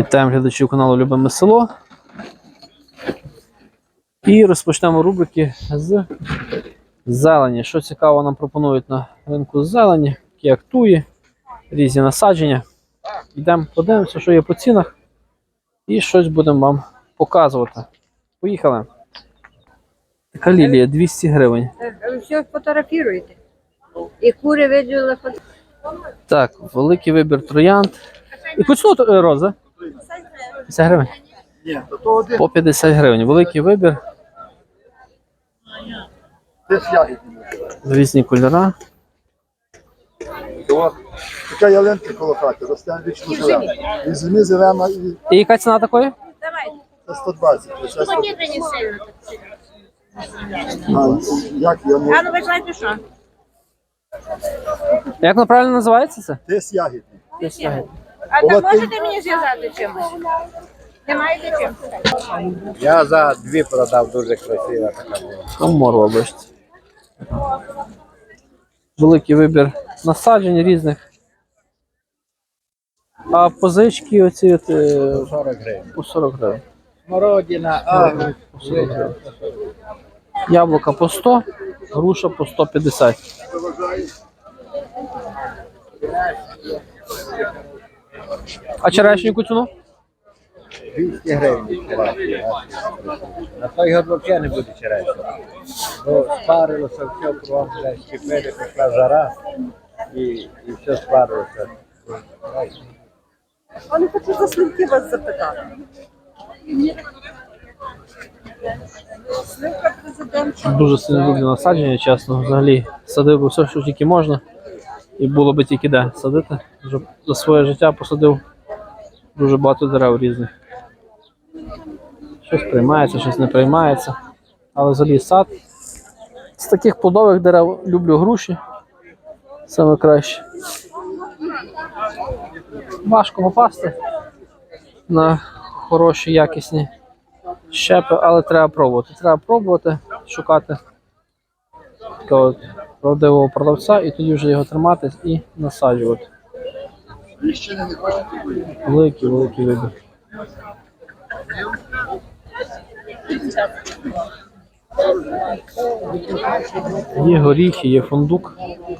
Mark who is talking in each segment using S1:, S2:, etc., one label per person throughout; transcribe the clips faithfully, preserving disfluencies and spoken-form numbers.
S1: Вітаємо глядачів каналу Любиме село. І розпочнемо рубрики з зелені. Що цікаво нам пропонують на ринку зелені, такі як туї, різні насадження. Йдемо, подивимося, що є по цінах, і щось будемо вам показувати. Поїхали. Така лілія двісті гривень.
S2: Ви все фотографуєте. І кури виділи фото.
S1: Так, великий вибір троянд. І по ціну роза? п'ятдесят гривень. По п'ятдесят гривень. Великий вибір. Різні кольори.
S3: Така ялинка коло хати, росте вічно зелена. І зимі зелена і
S1: І яка ціна такої?
S3: це сто двадцять. А як я
S2: А
S3: можу?
S2: ну ви знаєте що?
S1: Як воно правильно називається це?
S3: Тис ягідний.
S2: А
S3: Була
S2: так
S3: ти-
S2: можете мені зв'язати чимось? Не маєте чим?
S4: Я за дві продав, дуже красива така була.
S1: Коморва, бачите. Великий вибір насаджень різних. А позички оці от, е,
S4: сорок гривень.
S1: по сорок гривень.
S4: Смородина, а,
S1: По сорок гривень. Яблука по сто, груша по сто п'ятдесят. А черешню яку ціну?
S4: двісті гривень. На той год взагалі не буде черешня. Бо спарилося все, кругом вже щепили, пішла жара і, і все спарилося.
S2: Вони хочуть за сливки вас запитати. Сливка президент.
S1: Дуже сильно люблю насадження, чесно. Взагалі садив би все, що тільки можна. І було би тільки де садити. Вже за своє життя посадив дуже багато дерев різних. Щось приймається, щось не приймається. Але взагалі сад. З таких плодових дерев люблю груші. Саме краще. Важко попасти на хороші, якісні щепи, але треба пробувати. Треба пробувати, шукати такого от правдивого продавця і тоді вже його тримати і насаджувати. Великий, великий вибір. Є горіхи, є фундук.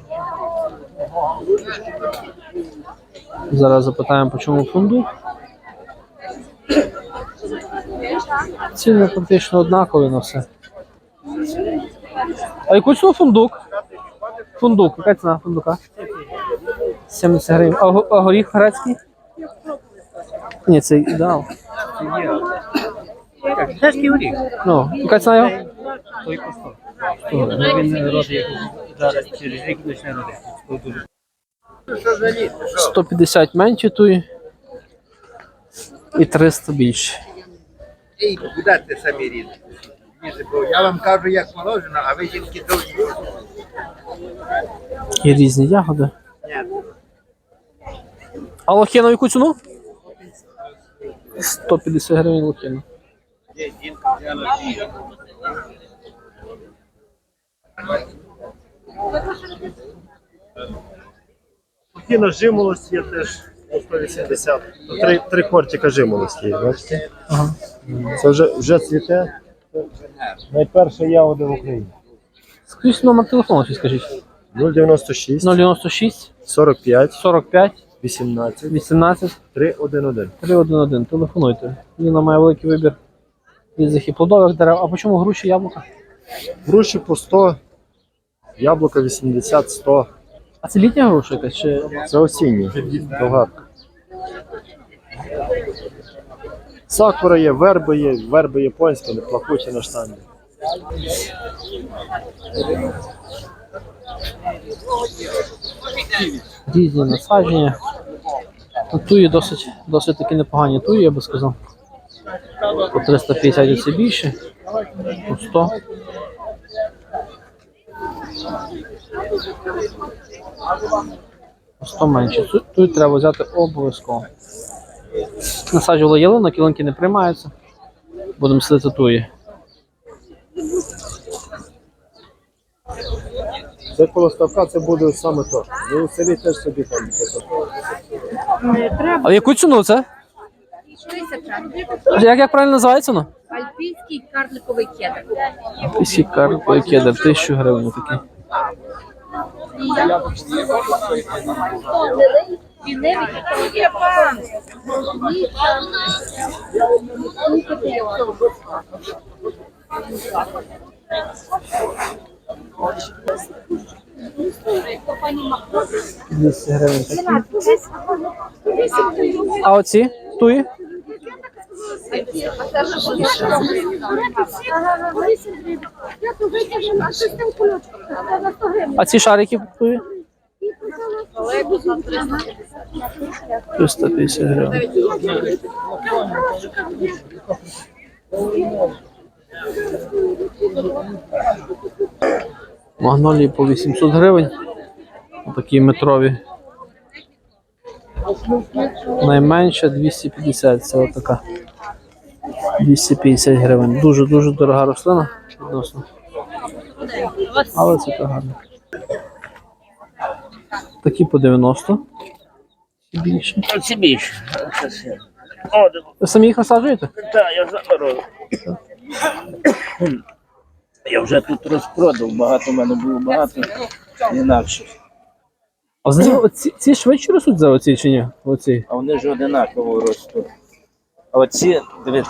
S1: Зараз запитаємо, по чому фундук. Ціни практично однакові на все. А яку ціну фундук? Фундук, яка ціна фундука? сімдесят гривень. А, го- а горіх грецький? Ні, це ідеал.
S4: Чеський горіх.
S1: Ну, яка ціна його?
S4: Той по сто. Він родить зараз через рік почне родити.
S1: сто п'ятдесят менші туї і триста більше.
S4: Ей, куди ти самі різні? Бо я вам кажу, як положено, а ви жінки довгі.
S1: І різні ягоди. А лохіна в яку ціну? сто п'ятдесят гривень лохіна.
S3: Кіно жимолості є теж по сто вісімдесят. Три, три кортика жимолості є, бачите?
S1: Ага.
S3: Це вже, вже цвіте. Це найперша ягода в Україні.
S1: Скажіть номер телефону, чи скажіть.
S3: нуль дев'яносто шість,
S1: нуль дев'яносто шість
S3: сорок п'ять,
S1: сорок п'ять
S3: вісімнадцять,
S1: вісімнадцять
S3: три один один.
S1: три один один. Телефонуйте. Ліна має великий вибір різних і плодових дерев. А по чому груші, яблука?
S3: Груші по сто, яблука вісімдесят, сто.
S1: А це літня груша якась? Чи...
S3: Це осінні, болгарка. Сакура є, верби є, верби японські, не плакучі на штанді.
S1: Різні насадження. Ну, туї досить, досить таки непогані туї, я би сказав. По триста п'ятдесят і це більше, по сто. По сто менше. Ту- Туї треба взяти обов'язково. Насаджували ялинок, ялинки не приймаються. Будемо сидити туї.
S3: Це коло ставка це буде саме то. Ви у селі теж собі там.
S1: А в яку ціну це?
S2: Тисяча.
S1: Як, як правильно називається воно?
S2: Альпійський карликовий кедр.
S1: Пісі карповий кедр, тисячу гривень такий. двісті гривень такі. А оці туї? А ці шарики туї? триста п'ятдесят гривень. Магнолії по вісімсот гривень. Такі метрові. Найменша двісті п'ятдесят. Це отака. двісті п'ятдесят гривень. Дуже-дуже дорога рослина відносно. Але це так гарно. Такі по дев'яносто. Ці більше.
S5: Це більше.
S1: Ви самі їх насаджуєте?
S5: Так, я заберу. Я вже тут розпродав, багато в мене було багато інакше.
S1: А з- оці- ці швидше ростуть за оці чи ні? Оці.
S5: А вони ж одинаково ростуть. А оці, дивіться,